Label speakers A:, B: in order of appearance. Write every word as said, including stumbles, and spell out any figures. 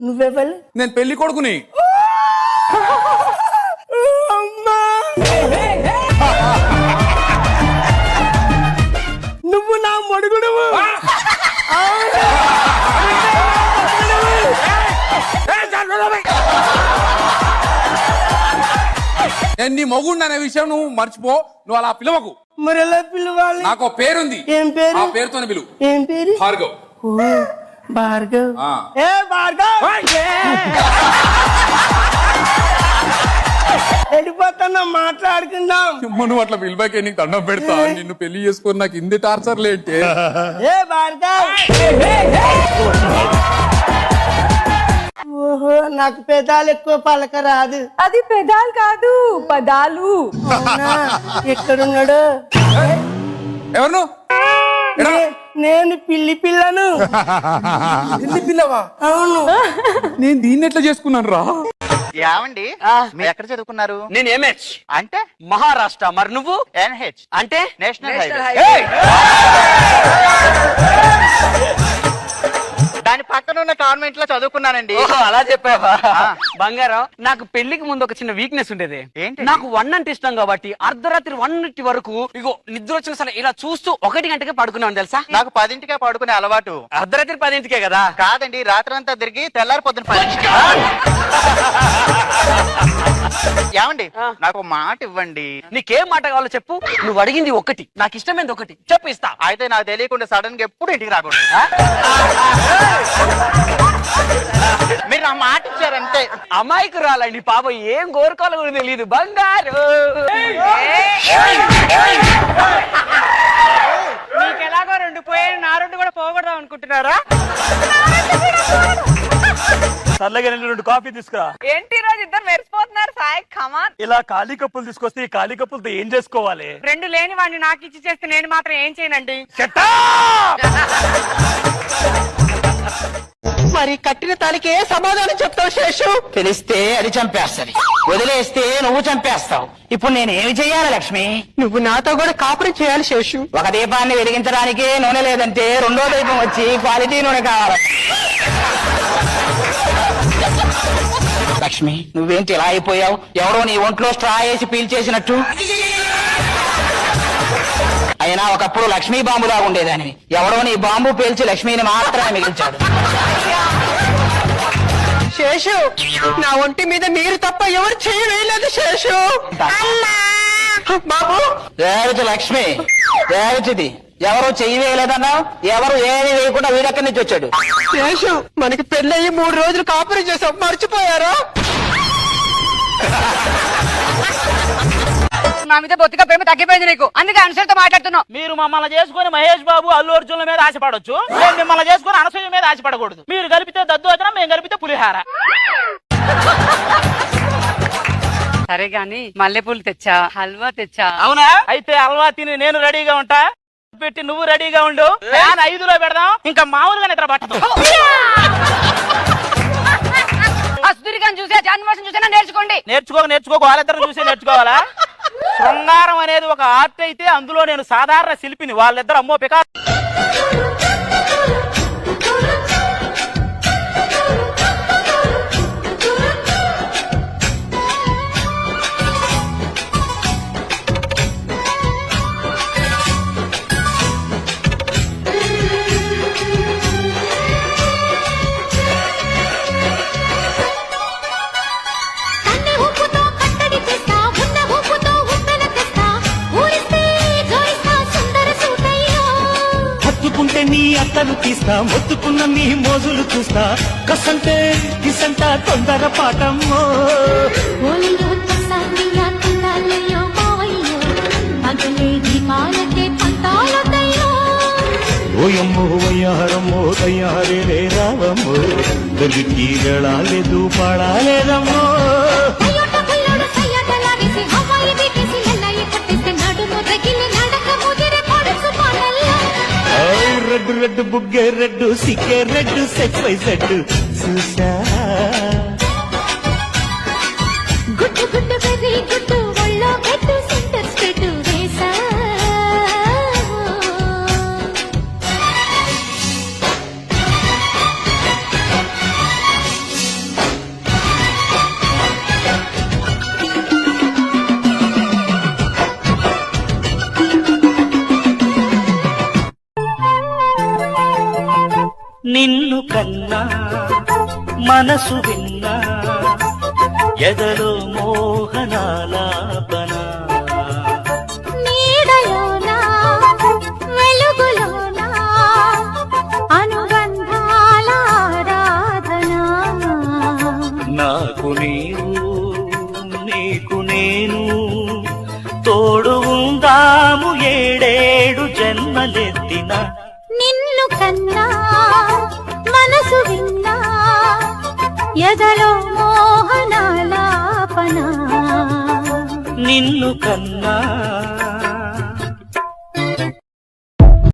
A: నువ్వెవరు?
B: నేను పెళ్లి కొడుకుని.
A: నువ్వు నా మొడుగుడువు.
B: నేను నీ మొగుండు అనే విషయం నువ్వు మర్చిపో. నువ్వు అలా పిలవకు.
A: మరి ఎలా పిలవాలి?
B: నాకు పేరుంది.
A: ఏం పేరు?
B: ఆ పేరుతోనే పిలువు.
A: ఏం పేరు?
B: భార్గవ్.
A: ఓ భార్గవ్.
B: ఆ.
A: ఏ భార్గవ్ వెళ్ళిపోతున్నా, మాట్లాడుకుందాం.
B: నువ్వు అట్లా పిలిపాకే నీకు దండం పెడతా. నిన్ను పెళ్లి చేసుకొని నాకు ఇంది టార్చర్ లేంటే.
A: ఏ భార్గవ్. ఓహో, నాకు పెదాలు ఎక్కువ పలక రాదు.
C: అది పెదాలు కాదు, పదాలు.
A: ఎక్కడున్నాడు?
B: ఎవరు నువ్వు?
A: నే- నేను పిల్లి పిల్లను.
B: పిల్లి పిల్లవా?
A: అవును.
B: నేను దీన్ని ఎట్లా చేసుకున్నాను రా?
D: యావండి మీరు ఎక్కడ చదువుకున్నారు?
E: నేను ఎంహెచ్
D: అంటే
E: మహారాష్ట్ర. మరి నువ్వు?
D: ఎన్హెచ్
E: అంటే
D: నేషనల్ హైవే.
E: ఏయ్!
D: దాని పక్కన ఉన్న కాన్వెంట్ లో చదువుకున్నానండి.
E: ఓహో, అలా చెప్పావా? బంగారం, నాకు పెళ్లికి ముందు ఒక చిన్న వీక్నెస్ ఉండేది.
D: ఏంటి?
E: నాకు వన్ అంటే ఇష్టం కాబట్టి అర్ధరాత్రి వన్ వరకు ఇగో నిద్ర వచ్చిన సరే ఇలా చూస్తూ ఒకటి గంటకే పడుకున్నాను తెలుసా.
D: నాకు పదింటికే పడుకునే అలవాటు.
E: అర్ధరాత్రి పదింటికే కదా?
D: కాదండి, రాత్రి అంతా తిరిగి తెల్లారి పొద్దున పదింటికి. ఏమండి నాకు ఒక మాట ఇవ్వండి.
E: నీకేం మాట కావాలో చెప్పు. నువ్వు అడిగింది ఒకటి, నాకు ఇష్టమైంది ఒకటి చెప్పు, ఇస్తా.
D: అయితే నాకు తెలియకుండా సడన్ గా ఎప్పుడు ఇంటికి రాకూడదు. మీరు నా మాట ఇచ్చారంతే.
E: అమ్మాయికి రాలండి పాప, ఏం కోరుకోవాలో కూడా తెలియదు. బంగారు మీకెలాగో రెండు పోయాయి, నా రెండు కూడా పోగొడదాం అనుకుంటున్నారా?
F: సర్లేగా నేను రెండు కాఫీ తీసుకురా.
C: ఏంటి రోజు ఇద్దరు మెరిసిపోతున్నారు సాయి? కమాన్.
F: ఇలా ఖాళీ కప్పులు తీసుకొస్తే ఈ ఖాళీ కప్పులతో ఏం చేసుకోవాలి?
C: రెండు లేని వాడిని నాకు ఇచ్చి చేస్తే నేను మాత్రం ఏం చేయనండి.
E: మరి కట్టిన తాలికే సమాధానం చెప్తావు శేషు? తెలిస్తే అది చంపేస్తది, వదిలేస్తే నువ్వు చంపేస్తావు. ఇప్పుడు నేను ఏమి చెయ్యాలి లక్ష్మి? నువ్వు నాతో కూడా కాపురం చేయాలి శేషు. ఒక దీపాన్ని వెలిగించడానికి నూనె లేదంటే రెండో దీపం వచ్చి క్వాలిటీ నూనె కావాలి. లక్ష్మి, నువ్వేంటి ఇలా అయిపోయావు? ఎవరో నీ ఒంట్లో స్ట్రా వేసి పీల్చేసినట్టు. అయినా ఒకప్పుడు లక్ష్మీ బాంబులా ఉండేదానివి. ఎవడో నీ బాంబు పేల్చి లక్ష్మిని మాత్రమే మిగిల్చాడు. శేషు, నా ఒంటి మీద మీరు తప్ప ఎవరు చేయి వేయలేదు శేషు. బాబు, రేవతి లక్ష్మి, రేవతిది ఎవరు చెయ్యి వేయలేదన్నా? ఎవరు ఏమీ వేయకుండా వీడెక్కడి నుంచి వచ్చాడు? శేషు, మనకి పెళ్ళయ్యి మూడు రోజులు కాపురం చేసాం, మర్చిపోయారా?
C: నా మీద బొత్తిగా ప్రేమ తగ్గిపోయింది నీకు, అందుకే అనుసరితో మాట్లాడుతున్నావు.
F: మీరు మమ్మల్ని చేసుకుని మహేష్ బాబు అల్లు అర్జున్ల మీద ఆశపడొచ్చు, మేము మిమ్మల్ని చేసుకుని అనసూయ మీద ఆశపడకూడదు. మీరు కలిపితే దద్దోజనం, మేము కలిపితే పులిహార.
C: సరే గాని మల్లెపూలు తెచ్చా, హల్వా తెచ్చా.
F: అవునా? అయితే హల్వా తిని నేను రెడీగా ఉంటా, పెట్టి నువ్వు రెడీగా ఉండు. ఫ్యాన్ ఐదులో పెడదాం, ఇంకా మామూలుగా నిద్ర పట్టదు.
C: అసుదురిగాని చూసే జాన్మోసం చూసేనా నేర్చుకోండి.
F: నేర్చుకోక నేర్చుకోక వాళ్ళిద్దరు చూసి నేర్చుకోవాలా? శృంగారం అనేది ఒక ఆర్ట్ అయితే అందులో నేను సాధారణ శిల్పిని, వాళ్ళిద్దరు అమ్మో పికా.
G: హత్తుకుంటే నీ అత్తను తీస్తా, మొత్తుకున్న నీ మోజులు చూస్తా, కసంటే కిసంట తొందర పాటమ్మో. ఓయమ్మో వయ్యారమ్మో తయ్యారే రే రావమ్మో, దొరికి వెళ్ళాలేదు పాడాలేదమ్మో. రెడ్డు రెడ్డు బుగ్గే రెడ్డు సిక్కే రెడ్డు సెక్స్ వై సెడ్ చూసా.
H: గుడ్డు గుడ్డు బెర్రీ గుడ్డు ఒళ్ళో పెట్టు సెంటర్ స్ప్రెడ్ వేసా.
G: కన్నా మనసు విన్నా ఎదలో మోహనాలాపన
H: నీడలోనా వెలుగులోనా అనుబంధాల ఆరాధన
G: నాకు నీవు నీకు నేను తోడు ఉందాము ఏడేడు జన్మలెత్తిన
H: నిన్ను కన్నా మనసు విన్నా ఎదలో మోహనాలాపన
G: నిన్ను కన్నా